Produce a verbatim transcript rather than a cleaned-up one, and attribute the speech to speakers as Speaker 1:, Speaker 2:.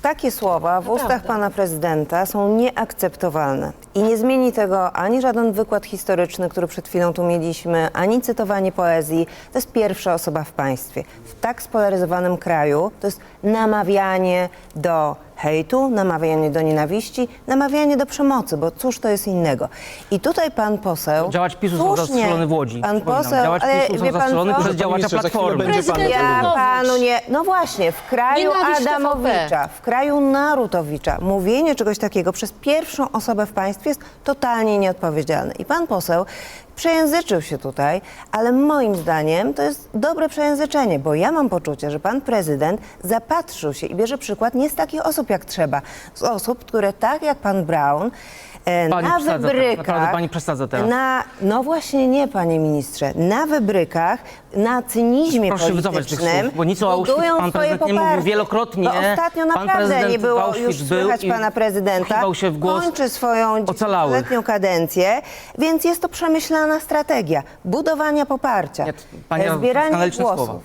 Speaker 1: Takie słowa w ustach pana prezydenta są nieakceptowalne i nie zmieni tego ani żaden wykład historyczny, który przed chwilą tu mieliśmy, ani cytowanie poezji. To jest pierwsza osoba w państwie. W tak spolaryzowanym kraju to jest namawianie do hejtu, namawianie do nienawiści, namawianie do przemocy, bo cóż to jest innego. I tutaj pan poseł...
Speaker 2: Działacz PiSu są zastrzelony w Łodzi.
Speaker 1: Pan poseł,
Speaker 2: Działacz
Speaker 1: ale
Speaker 2: PiSu
Speaker 1: wie
Speaker 2: są
Speaker 1: pan
Speaker 2: zastrzelony
Speaker 1: co?
Speaker 2: przez działacza Platformy.
Speaker 1: Ja panu nie... No właśnie, w kraju
Speaker 3: Nienawiść
Speaker 1: Adamowicza, w kraju Narutowicza mówienie czegoś takiego przez pierwszą osobę w państwie jest totalnie nieodpowiedzialne. I pan poseł przejęzyczył się tutaj, ale moim zdaniem to jest dobre przejęzyczenie, bo ja mam poczucie, że pan prezydent zapatrzył się i bierze przykład nie z takich osób jak trzeba, z osób, które tak jak pan Braun e,
Speaker 2: Pani
Speaker 1: na
Speaker 2: przesadza teraz,
Speaker 1: wybrykach,
Speaker 2: naprawdę pani przesadza teraz.
Speaker 1: na, no właśnie nie, panie ministrze, na wybrykach, na cynizmie
Speaker 2: Proszę wycofać tych
Speaker 1: politycznym
Speaker 2: słów, bo nic o Auschwitz
Speaker 1: budują
Speaker 2: pan
Speaker 1: swoje
Speaker 2: prezydent nie mówił
Speaker 1: poparcie.
Speaker 2: wielokrotnie.
Speaker 1: Bo ostatnio
Speaker 2: Pan
Speaker 1: naprawdę
Speaker 2: prezydent
Speaker 1: nie
Speaker 2: w
Speaker 1: było
Speaker 2: Auschwitz
Speaker 1: już
Speaker 2: był
Speaker 1: słychać
Speaker 2: i
Speaker 1: pana prezydenta.
Speaker 2: wsłuchiwał się w głos
Speaker 1: Kończy swoją
Speaker 2: ocalałych.
Speaker 1: dziesięcioletnią kadencję, więc jest to przemyślana strategia budowania poparcia,
Speaker 2: Nie, pani
Speaker 1: zbierania
Speaker 2: skandaliczne
Speaker 1: głosów.
Speaker 2: słowa.